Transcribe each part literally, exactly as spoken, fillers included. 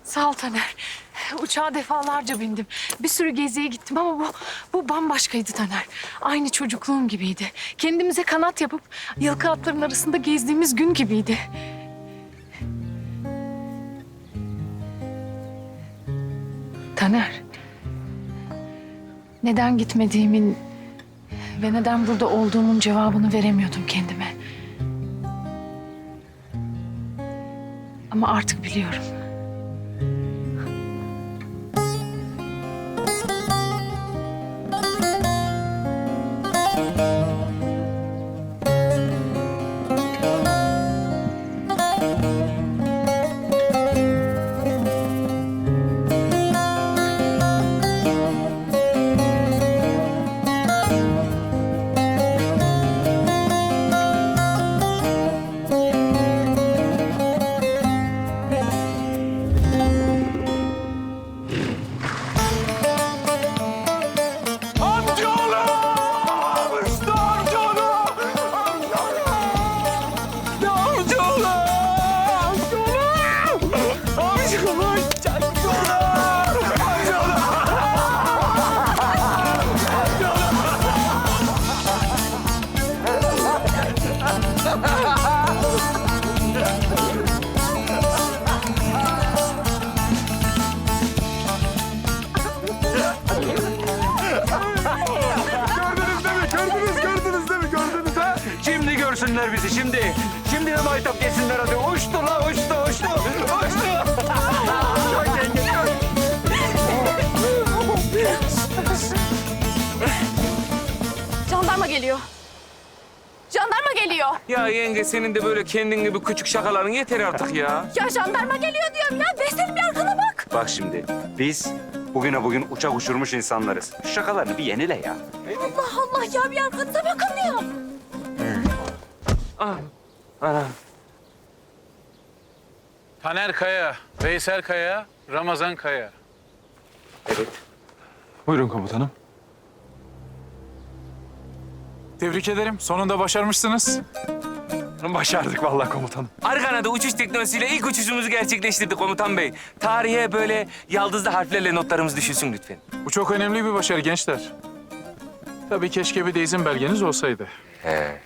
Sağ ol Taner. Uçağa defalarca bindim. Bir sürü geziye gittim ama bu, bu bambaşkaydı Taner. Aynı çocukluğum gibiydi. Kendimize kanat yapıp yılkı atların arasında gezdiğimiz gün gibiydi. Taner. Neden gitmediğimin ve neden burada olduğumun cevabını veremiyordum kendime. Ama artık biliyorum. Görsünler bizi şimdi. Şimdi de maytap geçsinler hadi. Uçtu la uçtu uçtu. Uçtu. Çok yenge çok. Jandarma geliyor. Jandarma geliyor. Ya yenge senin de böyle kendin gibi küçük şakaların yeter artık ya. Ya jandarma geliyor diyorum ya. Veysel bir arkana bak. Bak şimdi biz bugüne bugün uçak uçurmuş insanlarız. Şu şakalarını bir yenile ya. Allah Allah ya bir arkanıza bakın ya. Ah, ana. Taner Kaya, Veysel Kaya, Ramazan Kaya. Evet. Buyurun komutanım. Tebrik ederim. Sonunda başarmışsınız. Başardık vallahi komutanım. Argana'da uçuş teknolojisiyle ilk uçuşumuzu gerçekleştirdik komutan bey. Tarihe böyle yaldızlı harflerle notlarımız düşülsün lütfen. Bu çok önemli bir başarı gençler. Tabii keşke bir de izin belgeniz olsaydı. He.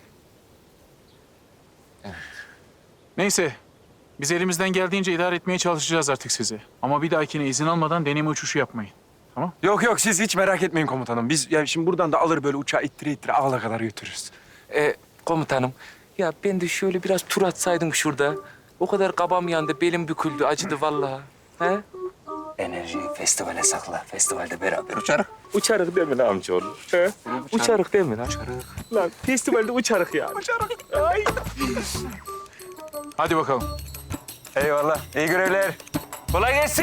Neyse. Biz elimizden geldiğince idare etmeye çalışacağız artık sizi. Ama bir dahakine izin almadan deneme uçuşu yapmayın. Tamam? Yok yok siz hiç merak etmeyin komutanım. Biz yani şimdi buradan da alır böyle uçağı ittire ittire Ağla kadar götürürüz. Ee, komutanım, ya ben de şöyle biraz tur atsaydım şurada. O kadar kabam yandı, belim büküldü, acıdı vallahi. He? Enerjiyi festivale sakla. Festivalde beraber uçarız. Uçarık değil mi lan amcaoğlu? He? Uçarık değil mi lan? Uçarık. Lan festivalde uçarık yani. Uçarık. Ay. Hadi bakalım. Eyvallah. İyi görevler. Kolay gelsin.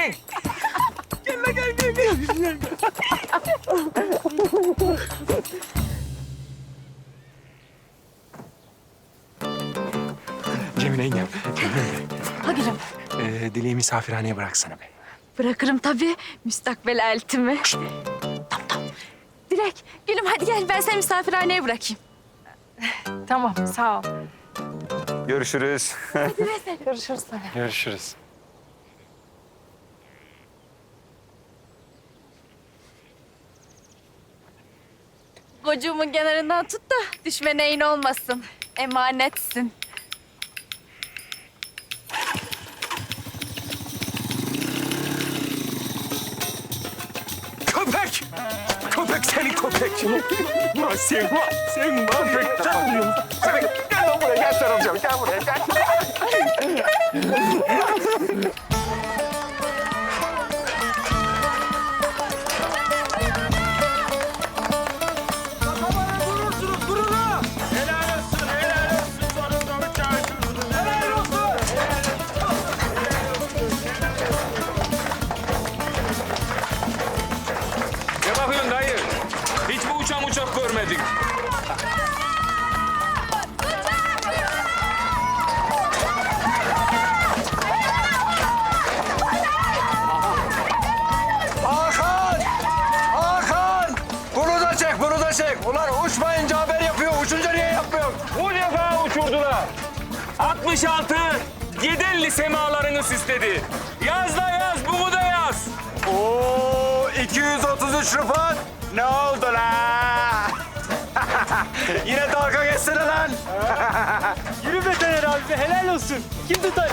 Cemile yengem. Ha gülüm. Ee, Dileği misafirhaneye bıraksana be. Bırakırım tabii müstakbel eltimi. Tamam tamam. Dilek, gülüm hadi gel ben seni misafirhaneye bırakayım. Tamam, sağ ol. Görüşürüz. Görüşürüz Taner. Görüşürüz. Gocuğumun kenarından tut da düşme neyin olmasın. Emanetsin. Köpek! Köpek seni köpek! Ulan sen var, sen var. Köpek, sen vuruyorsun. Köpek, gel lan buraya, gel sarılacağım. Gel buraya, gel. Ne bakıyorsun dayı? Hiç mi uçak uçak görmedin? Hakan! Hakan! Bunu da çek, bunu da çek. Ulan uçmayınca haber yapıyor, uçunca niye yapmıyor? Bu defa uçurdular. altmış altı, Yedelli semalarını süsledi. Yaz da yaz, bunu da yaz. Oo, iki yüz otuz üç Rıfat. Ne oldu la? Yine dalga geçsene lan. Yürü be Taner abi be, helal olsun. Kim tutar?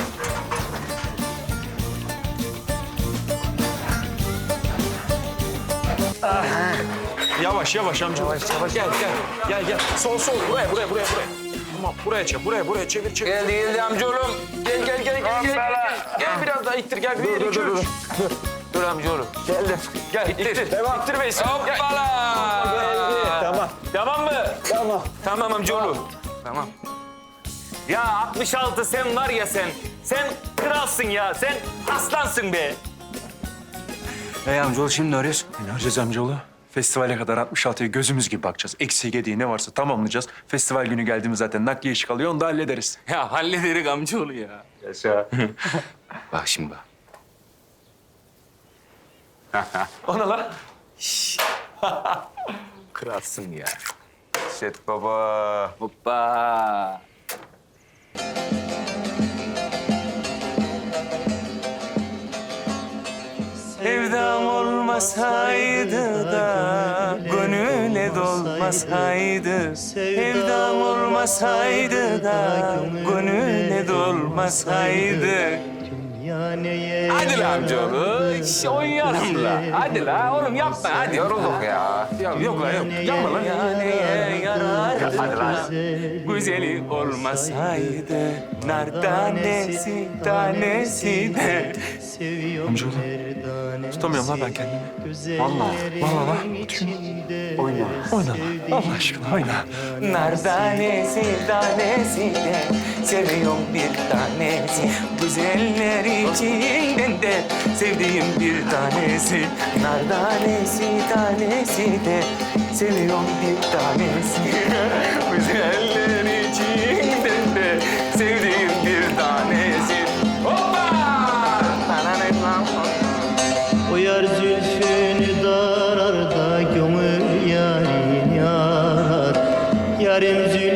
Yavaş yavaş amca. Yavaş yavaş. Gel gel. Gel gel. Sol sol. Buraya buraya buraya buraya. Tamam buraya çevir. Buraya buraya çevir çevir. Geldi geldi amcaoğlum. Gel gel gel gel. Gel, gel. Gel biraz daha ittir gel. Bir, iki, üç. Dur amcaoğlum. Geldim. Gel ittir. Devam. İttir Veysel. Gel. Hoppala. Tamam. Tamam mı? Tamam. Tamam amcaoğlu. Tamam. Ya altmış altı sen var ya sen. Sen kralsın ya. Sen aslansın be. Hey amcaoğlu şimdi ne arıyorsun? Ne yapacağız amcaoğlu? Festivale kadar altmış altıya gözümüz gibi bakacağız. Eksiği gediği ne varsa tamamlayacağız. Festival günü geldiğimiz zaten nakliye işi kalıyor, onu da hallederiz. Ya hallederik amcaoğlu ya. Yaşa. Bak şimdi bak. Ona lan. Kralsın ya. Set baba. Hoppa. Sevdam olmasaydı da gönüle dolmasaydı. Sevdam olmasaydı da gönüle dolmasaydı. Hadi la amcaoğlu, iş oynayalım la. Hadi la oğlum yapma hadi. Yorulduk ya. Ya, yok lan yok. Yapma lan. Yaneye yarar. Hadi lan. Güzeli olmasaydı nar tanesi tanesi de. Amcaoğlu. Tutamıyorum lan ben kendimi. Vallahi. Vallahi lan. Oyna. Oyna lan. Allah aşkına oyna. Nar tanesi tanesi de seviyorum bir tanesi. Güzeller içinden de sevdiğim bir tanesi. Nar tanesi tanesi de seviyorum bir tanesi. Güzeller içinden de sevdiğim bir tanesi. Hoppa! O yar zülfünü darar da gömür yarim yar. Yarim zülfünü